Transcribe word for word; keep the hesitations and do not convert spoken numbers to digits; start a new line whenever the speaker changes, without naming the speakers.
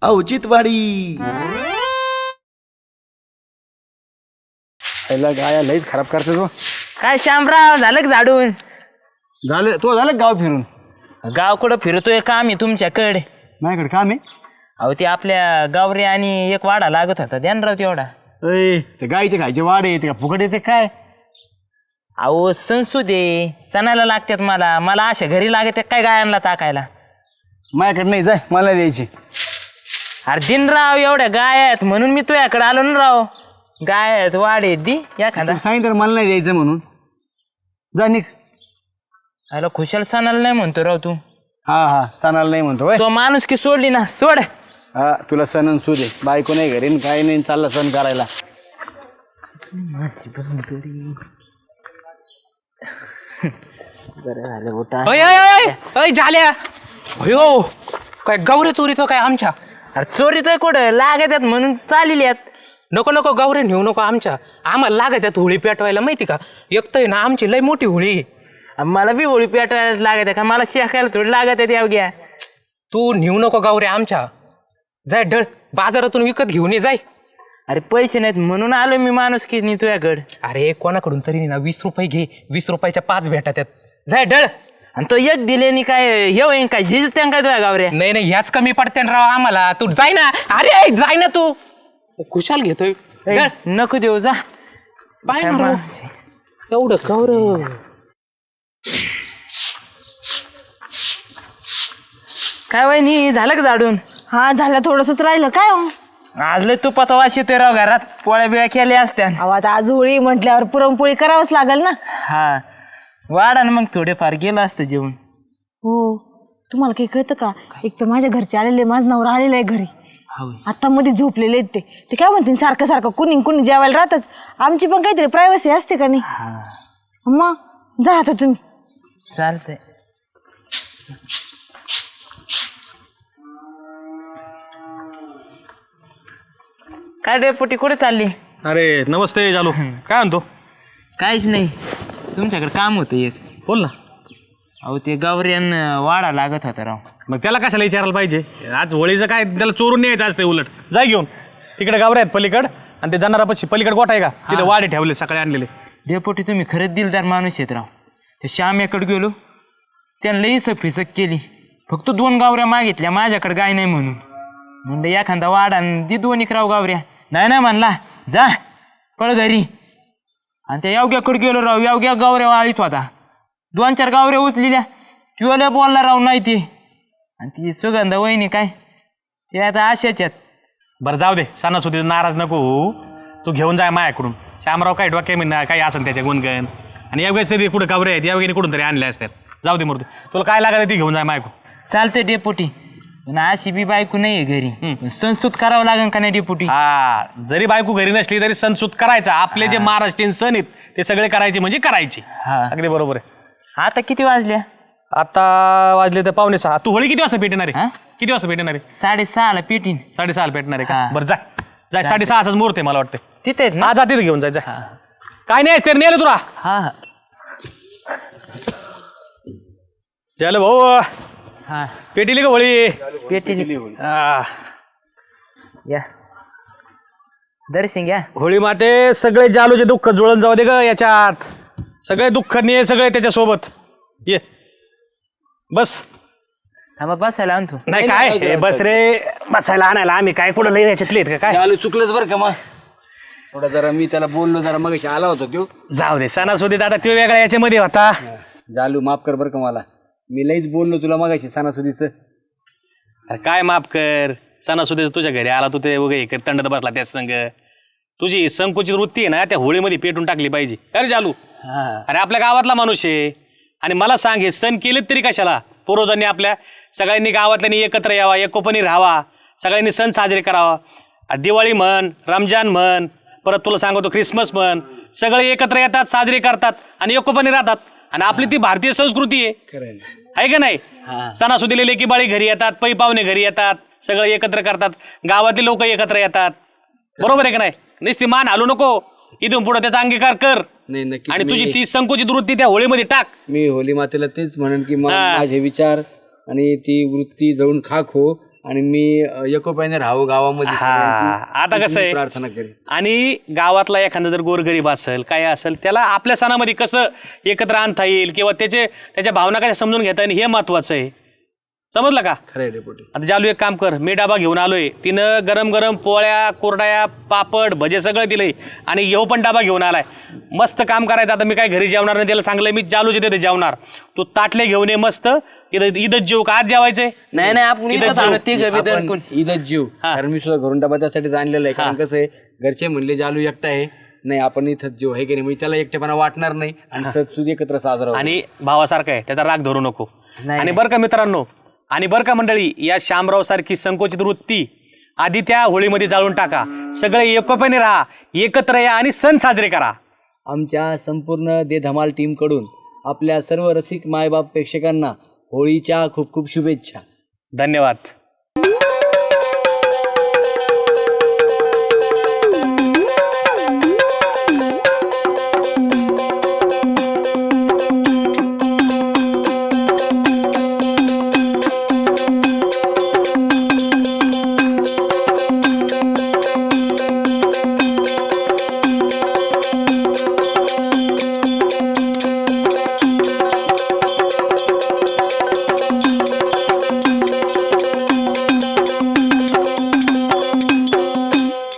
औचित्यवाडी.
पहिला गाया लईच खराब करते तो.
काय श्यामराव झालं का झाडून?
झालं तो झालं गाव फिरून.
गाव कुठं फिरतोय काम आहे तुमच्याकडे?
माझ्याकडे काम आहे.
अहो ते आपल्या गावरे आणि एक वाडा लागत होता ध्यान राव तेवढा.
अय ते गायचे खायचे वाडे येते का फुकट येते काय?
अहो संसुदे सणाला लागतात मला मला अशा घरी लागत काय गायांना टाकायला.
माझ्याकडे नाही जाय मला द्यायची.
अरे दिनराव एवढ्या गाय आहेत म्हणून मी तुझ्याकडे आलो ना राव. गाय आहेत वाडे दी एखादा
सांगितलं मला नाही द्यायचं म्हणून. जा निघ.
अरे खुशाल सणाला नाही म्हणतो राव तू.
हा हा सणाला नाही म्हणतो होय.
तो माणूस की सोडली ना सोड.
हा तुला सण सू दे. बायको नाही घरी काही नाही चालला सण करायला.
झाल्या अयो काय गौरे चोरीतो काय आमच्या?
अरे चोरी तर कुठं लागत आहेत म्हणून चालली आहेत.
नको नको गौरे नेऊ नको आमच्या. आम्हाला लागत आहेत होळी पेटवायला माहिती का? एक तर ना आमची लय मोठी होळी.
मला बी होळी पेटवायला लागत आहे का? मला शेकायला थोडी लागत आहेत यावग्या.
तू नेऊ नको गौरे आमच्या. जाय ढळ बाजारातून विकत घेऊन ये जाय.
अरे पैसे नाहीत म्हणून आलो मी माणूस की नाही तुझ्याकडे.
अरे कोणाकडून तरी ना वीस रुपये घे. वीस रुपयाच्या पाच भेटतात त्यात. जाय ढळ.
आणि तो एक दिले काय हे होईन काय झिज त्या काय तुझ्या गावऱ्या?
नाही नाही ह्याच कमी पडते राव आम्हाला. तू जाय ना. अरे जाय ना तू. खुशाल घेतोय.
ए, नको देऊ जा.
पाय ना राव. एवढं गौरव.
काय वहिनी झालं का झाडून?
हा झालं थोडंसंच राहिलं काय हो?
आज लय तुपाचा वास येतोय राव घरात. पोळ्या बिळ्या केल्या असत्या.
अहो आता आज होळी म्हटल्यावर पुरणपोळी करावंच लागेल ना.
हा वाढा ना मग थोडेफार गेलं असतं जेवण.
हो तुम्हाला काही कळतं का? एक तर माझ्या घरचे आलेले माझा नवरा आलेला आहे घरी. आता मध्ये झोपलेले आहेत ते ते काय म्हणतील सारखं सारखं कुणी कुणी जेवायला राहतच. आमची पण काहीतरी प्रायव्हसी असते का नाही? मग जा आता तुम्ही.
चालतंय. काय डेपुटी कुठे चालली?
अरे नमस्ते जालू. काय म्हणतो?
काहीच नाही तुमच्याकडे काम होतं एक.
बोल ना.
अहो ते गावऱ्यान वाडा लागत होता राव.
मग त्याला कशाला विचारायला पाहिजे? आज होळीचं काय त्याला चोरून न्यायचं असते उलट. जाय घेऊन. तिकडे गावरे आहेत पलीकड आणि ते जाणारापाशी पलीकड गोठा आहे का तिथे वाडे ठेवले सकाळी आणलेले.
डेपुटी तुम्ही खरंच दिलदार माणूस आहेत राव. ते श्याम्याकडे गेलो त्यानं लई फिसक केली. फक्त दोन गावऱ्या मागितल्या माझ्याकडे गाय नाही म्हणून. म्हणलं एखादा वाडा दि दोन एक राव गावऱ्या. नाही नाही म्हणला जा पळ घरी. आणि त्या यावग्याकडे गेलो राव. यावग्या गावऱ्या वाळीत होता. दोन चार गावऱ्या उचलेल्या. तुला बोलला राव नाही ते. आणि ती सुगंधा वहिनी काय ते आता अशाच आहेत.
बरं जाऊ दे. सणासुदीचं नाराज नको होऊ. तू घेऊन जाय माझ्याकडून. श्यामराव काय डोक्या मी काही असेल त्याच्या गुणगण. आणि यावेळेस तरी कुठं गावरे आहेत यावेळी कुठून तरी आणले असतात. जाऊ दे मूर्ती. तुला काय लागत ती घेऊन जाय माझ्याकडून.
चालतंय डेपुटी. पण अशी बी बायको नाही आहे घरी. संस्कृत करावं लागेल का नाही डेपुटी?
हा जरी बायको घरी नसली तरी सणसूत करायचा. आपले जे महाराष्ट्रीयन सण आहेत ते सगळे करायचे म्हणजे करायचे.
हा
अगदी बरोबर आहे.
आता किती वाजल्या?
आता वाजले तर पावणे सहा. तू होळी किती वाजता पेटणार आहे? किती वाजता पेटणार आहे?
साडेसहाला पेटीन.
साडेसहाला पेटणार आहे का?
हा.
बरं जाय जाय. साडेसहाचाच मुहूर्त आहे मला वाटतं.
तिथे आहेत ना?
हा जा तिथे घेऊन जाय. जाय काय नाही तर नेलं तुला.
हा हा
झालं भाऊ.
हा
पेटीली का होळी?
पेटीली.
हा.
या दर्शन घ्या.
होळी माते सगळे जालूचे दुःख जुळून जाऊ दे ग याच्यात. सगळे दुःख ने सगळे त्याच्यासोबत ये बस.
थांबा बसायला आणतो.
नाही काय हे बस रे. बसायला आणायला आम्ही काय कुठं लई याच्यातले आहेत का काय?
आलो चुकलंच बरं का? मग थोडा जरा मी त्याला बोललो जरा मग आला होता तो.
जाऊ दे. सणासुदीत आता तो वेगळा याच्यामध्ये होता.
जालू माफ कर बरं का मला. मी लईच बोललो तुला मगाशी सणासुदीचं.
अरे काय माफ कर. सणासुदीचं तुझ्या घरी आला तू ते वगैरे तंडत बसला त्याच संग. तुझी संकुचित वृत्ती आहे ना त्या होळीमध्ये पेटून टाकली पाहिजे. अरे जालू अरे आपल्या गावातला माणूस आहे. आणि मला सांग हे सण केलेत तरी कशाला? पूर्वजांनी आपल्या सगळ्यांनी गावातल्यांनी एकत्र यावा एकोपणी राहावा. सगळ्यांनी सण साजरे करावा. दिवाळी म्हण रमजान म्हण परत तुला सांगतो ख्रिसमस म्हण सगळे एकत्र येतात साजरे करतात आणि एकोपणी राहतात. आणि आपली ती भारतीय संस्कृती आहे आहे का नाही? सणासुदीला लेकी बाळी घरी येतात. पै पाहुणे घरी येतात. सगळे एकत्र करतात. गावातले लोक एकत्र येतात. बरोबर आहे का नाही? नुसती मान हलू नको. इथून पुढे त्याचा अंगीकार कर.
नाही नक्की.
आणि तुझी ती संकुचित वृत्ती त्या होळीमध्ये टाक.
मी होली मातेला तेच म्हणेन की मा-
हा.
माझे विचार आणि ती वृत्ती जळून खाक हो. आणि मी अं, एकोप्याने राहावं गावामध्ये सगळ्यांची.
हा आता कसं
मी
आहे
प्रार्थना करेन.
आणि गावातला एखादा जर गोरगरीब असेल काय असेल त्याला आपल्या सणामध्ये कसं एकत्र आणता येईल किंवा त्याचे त्याच्या भावना कशा समजून घेता येईल हे महत्वाचं आहे. समजलं का?
खरंय डेपुटी.
आता जालू एक काम कर, मी डबा घेऊन आलोय, तिनं गरम गरम पोळ्या कुरड्या पापड भजे सगळं दिलंय आणि येऊ पण डबा घेऊन आलाय. मस्त काम करायचं. आता मी काय घरी जेवणार नाही, त्याला सांगलंय मी जालूच्या तिथे जेवणार, तू ताटले घेऊन ये मस्त इथं इथंच जेव का आज जेवायचंय?
नाही नाही आपण इथंच आलो तिघं बी
आपण
दणकून.
ईदच जीव, कारण मी सुद्धा घरून डबा त्यासाठीच आणलेला आहे. कारण कसं आहे, घरचे म्हणले जालू एकटा आहे, नाही आपण इथंच जीव आहे की नाही, म्हणजे त्याला एकटेपणा वाटणार नाही आणि सण एकत्र साजरा होईल.
आणि भावासारखा आहे, त्याचा राग धरू नको.
नाही,
आणि बरं का मित्रांनो, आणि बरं का मंडळी, या शामराव सारखी संकोचित वृत्ती आधी त्या होळीमध्ये जाळून टाका. सगळे एकोप्याने राहा, एकत्र या आणि सण साजरे करा.
आमच्या संपूर्ण दे धमाल टीम कडून आपल्या सर्व रसिक मायबाप प्रेक्षकांना होळीच्या खूप खूप शुभेच्छा.
धन्यवाद.